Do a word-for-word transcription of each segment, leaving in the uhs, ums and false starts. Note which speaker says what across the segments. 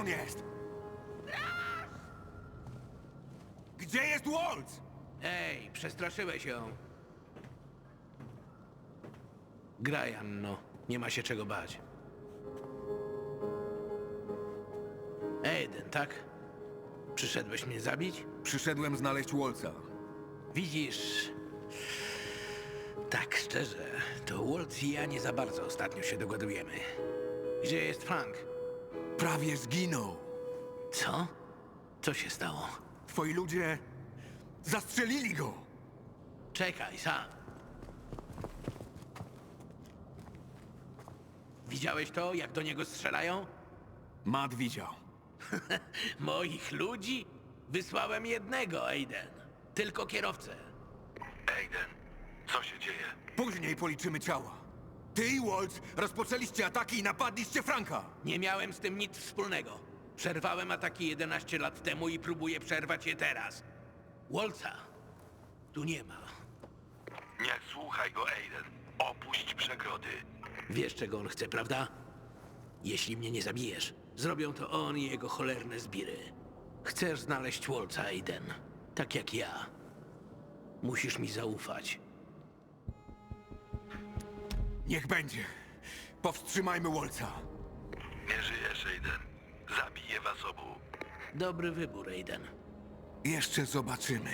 Speaker 1: on jest? Gdzie jest Waltz?
Speaker 2: Ej, przestraszyłeś ją. Graj, Anno. Nie ma się czego bać. Aiden, tak? Przyszedłeś mnie zabić?
Speaker 1: Przyszedłem znaleźć Waltza.
Speaker 2: Widzisz... Tak szczerze, to Waltz i ja nie za bardzo ostatnio się dogadujemy. Gdzie jest Frank?
Speaker 1: Prawie zginął.
Speaker 2: Co? Co się stało?
Speaker 1: Twoi ludzie zastrzelili go.
Speaker 2: Czekaj, sam. Widziałeś to, jak do niego strzelają?
Speaker 1: Matt widział.
Speaker 2: Moich ludzi? Wysłałem jednego, Aiden. Tylko kierowcę.
Speaker 3: Aiden, co się dzieje?
Speaker 1: Później policzymy ciała. Ty i Waltz rozpoczęliście ataki i napadliście Franka.
Speaker 2: Nie miałem z tym nic wspólnego. Przerwałem ataki jedenaście lat temu i próbuję przerwać je teraz. Waltza tu nie ma.
Speaker 3: Nie słuchaj go, Aiden. Opuść przegrody.
Speaker 2: Wiesz, czego on chce, prawda? Jeśli mnie nie zabijesz, zrobią to on i jego cholerne zbiry. Chcesz znaleźć Waltza, Aiden. Tak jak ja. Musisz mi zaufać.
Speaker 1: Niech będzie. Powstrzymajmy Waltza.
Speaker 3: Nie żyjesz, Aiden. Zabiję was obu.
Speaker 2: Dobry wybór, Aiden.
Speaker 1: Jeszcze zobaczymy.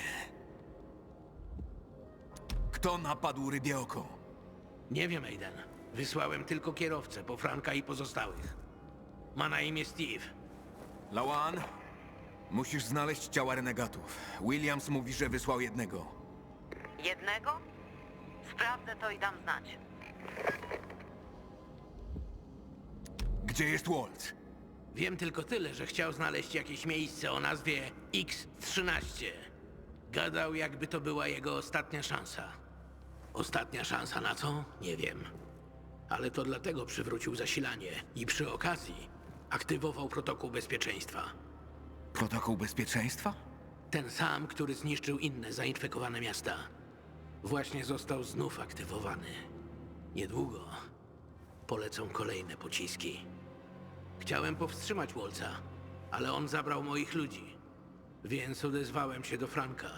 Speaker 1: Kto napadł Rybie Oko?
Speaker 2: Nie wiem, Aiden. Wysłałem tylko kierowcę po Franka i pozostałych. Ma na imię Steve.
Speaker 1: Lawan, musisz znaleźć ciała renegatów. Williams mówi, że wysłał jednego.
Speaker 4: Jednego? Sprawdzę to i dam znać.
Speaker 1: Gdzie jest Waltz?
Speaker 2: Wiem tylko tyle, że chciał znaleźć jakieś miejsce o nazwie X trzynaście. Gadał, jakby to była jego ostatnia szansa. Ostatnia szansa na co? Nie wiem. Ale to dlatego przywrócił zasilanie i przy okazji aktywował protokół bezpieczeństwa.
Speaker 1: Protokół bezpieczeństwa?
Speaker 2: Ten sam, który zniszczył inne zainfekowane miasta. Właśnie został znów aktywowany. Niedługo polecą kolejne pociski. Chciałem powstrzymać Waltza, ale on zabrał moich ludzi. Więc odezwałem się do Franka.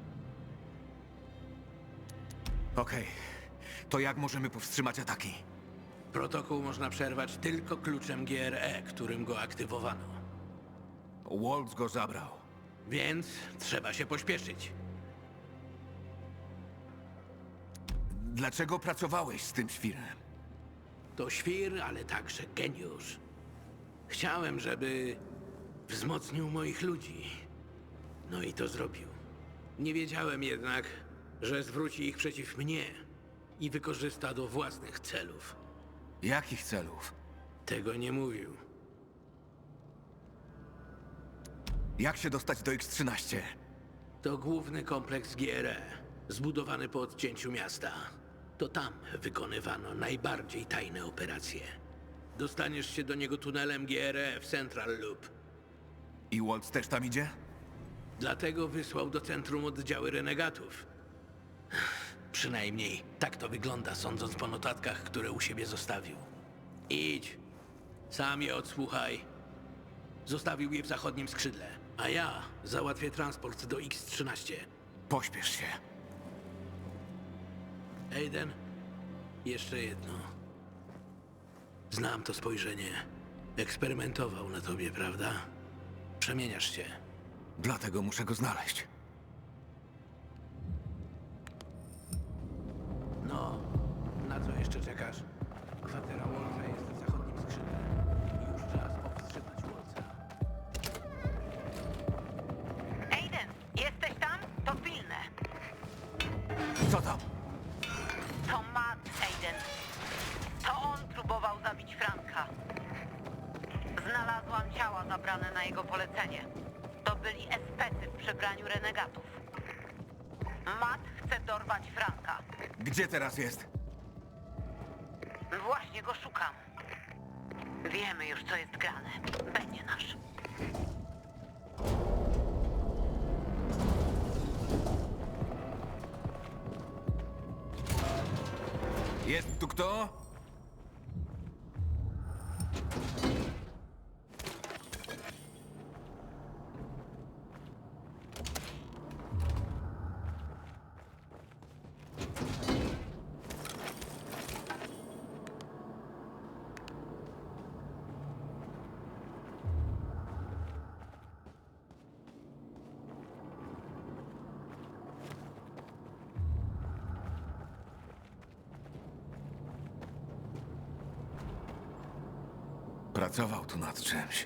Speaker 1: Okej. To jak możemy powstrzymać ataki?
Speaker 2: Protokół można przerwać tylko kluczem G R E, którym go aktywowano.
Speaker 1: Waltz go zabrał.
Speaker 2: Więc trzeba się pośpieszyć.
Speaker 1: Dlaczego pracowałeś z tym świrem?
Speaker 2: To świr, ale także geniusz. Chciałem, żeby wzmocnił moich ludzi. No i to zrobił. Nie wiedziałem jednak, że zwróci ich przeciw mnie i wykorzysta do własnych celów.
Speaker 1: Jakich celów?
Speaker 2: Tego nie mówił.
Speaker 1: Jak się dostać do X trzynaście?
Speaker 2: To główny kompleks G R E, zbudowany po odcięciu miasta. To tam wykonywano najbardziej tajne operacje. Dostaniesz się do niego tunelem G R E w Central Loop.
Speaker 1: I Waltz też tam idzie?
Speaker 2: Dlatego wysłał do centrum oddziały renegatów. Przynajmniej tak to wygląda, sądząc po notatkach, które u siebie zostawił. Idź. Sam je odsłuchaj. Zostawił je w zachodnim skrzydle, a ja załatwię transport do X trzynaście.
Speaker 1: Pośpiesz się.
Speaker 2: Aiden, jeszcze jedno. Znam to spojrzenie. Eksperymentował na tobie, prawda? Przemieniasz się.
Speaker 1: Dlatego muszę go znaleźć.
Speaker 2: No, na co jeszcze czekasz? Kwatera Waltza jest w zachodnim skrzydle. Już czas powstrzymać Waltza.
Speaker 4: Aiden, jesteś tam? To pilne.
Speaker 1: Co tam?
Speaker 4: To Matt, Aiden. To on próbował zabić Franka. Znalazłam ciała zabrane na jego polecenie. To byli especy w przebraniu renegatów. Matt chce dorwać Franka.
Speaker 1: Gdzie teraz jest?
Speaker 4: Właśnie go szukam. Wiemy już, co jest grane. Będzie nasz.
Speaker 1: Jest tu kto? Pracował tu nad czymś.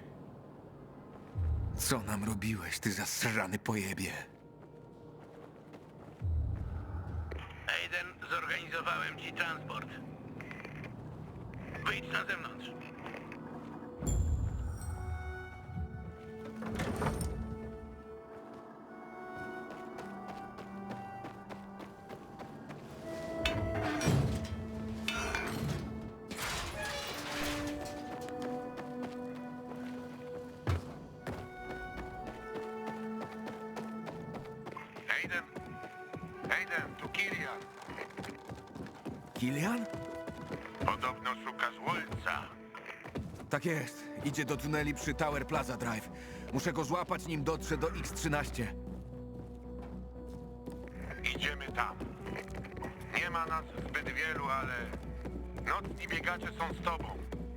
Speaker 1: Co nam robiłeś, ty zasrany pojebie?
Speaker 2: Aiden, zorganizowałem ci transport. Wyjdź na zewnątrz.
Speaker 3: Aiden! Aiden, tu Kilian.
Speaker 1: Kilian?
Speaker 3: Podobno szukasz Wolca.
Speaker 1: Tak jest. Idzie do tuneli przy Tower Plaza Drive. Muszę go złapać, nim dotrze do X trzynaście.
Speaker 3: Idziemy tam. Nie ma nas zbyt wielu, ale nocni biegacze są z tobą.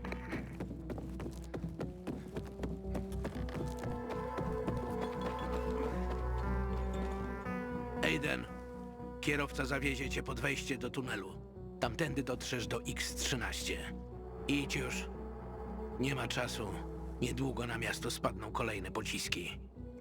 Speaker 2: Aiden, kierowca zawiezie cię pod wejście do tunelu. Tamtędy dotrzesz do X trzynaście. Idź już. Nie ma czasu. Niedługo na miasto spadną kolejne pociski.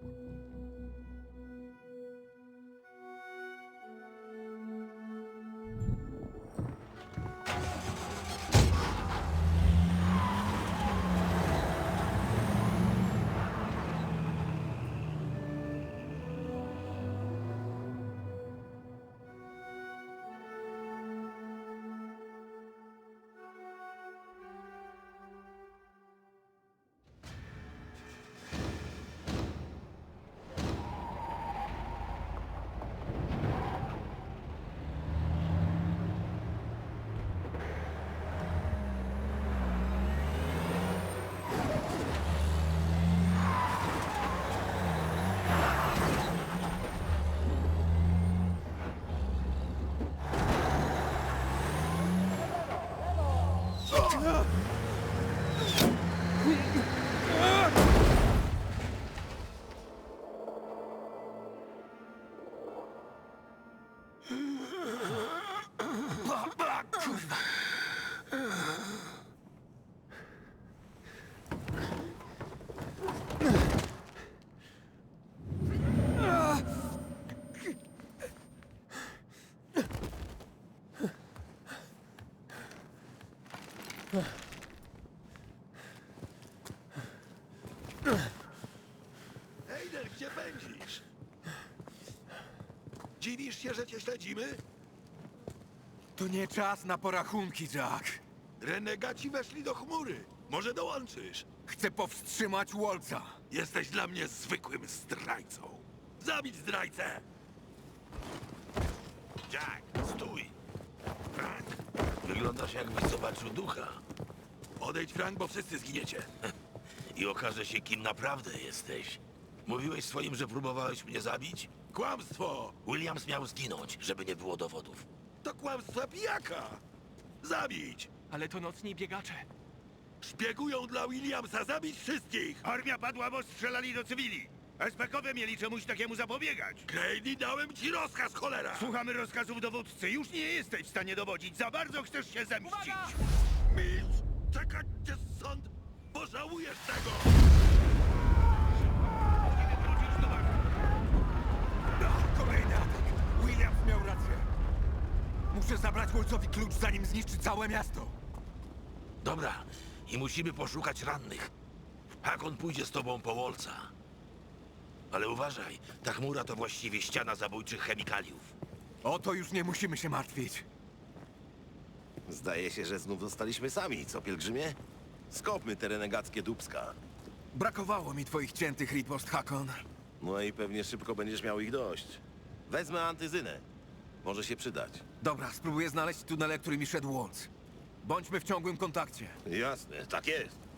Speaker 5: Aiden, gdzie pędzisz? Dziwisz się, że cię śledzimy?
Speaker 1: To nie czas na porachunki, Jack.
Speaker 5: Renegaci weszli do chmury. Może dołączysz?
Speaker 1: Chcę powstrzymać Wolca.
Speaker 5: Jesteś dla mnie zwykłym zdrajcą. Zabić zdrajcę! Jack, stój! Frank,
Speaker 6: Wyglądasz jakbyś zobaczył ducha
Speaker 5: odejdź, Frank, bo wszyscy zginiecie.
Speaker 6: i okaże się, kim naprawdę jesteś. Mówiłeś swoim, że próbowałeś mnie zabić?
Speaker 5: Kłamstwo!
Speaker 6: Williams miał zginąć, żeby nie było dowodów.
Speaker 5: To kłamstwa pijaka! Zabić!
Speaker 7: Ale to nocni biegacze.
Speaker 5: Szpiegują dla Williamsa, zabić wszystkich!
Speaker 8: Armia padła, bo strzelali do cywili. S P kowie mieli czemuś takiemu zapobiegać.
Speaker 5: Grady, dałem ci rozkaz, cholera!
Speaker 8: Słuchamy rozkazów dowódcy. Już nie jesteś w stanie dowodzić. Za bardzo chcesz się zemścić.
Speaker 5: Mills, czekać cię sąd! Pożałujesz tego!
Speaker 1: Ach, kolejny atak. Williams miał rację. Muszę zabrać Wolcowi klucz, zanim zniszczy całe miasto.
Speaker 6: Dobra, i musimy poszukać rannych. Hakon pójdzie z tobą po Wolca. Ale uważaj, ta chmura to właściwie ściana zabójczych chemikaliów.
Speaker 1: O to już nie musimy się martwić.
Speaker 9: Zdaje się, że znów zostaliśmy sami, co pielgrzymie? Skopmy te renegackie dupska.
Speaker 1: Brakowało mi twoich ciętych ripost, Hakon.
Speaker 9: No i pewnie szybko będziesz miał ich dość. Wezmę antyzynę. Może się przydać.
Speaker 1: Dobra, spróbuję znaleźć tunele, którymi szedł Wolc. Bądźmy w ciągłym kontakcie.
Speaker 9: Jasne, tak jest.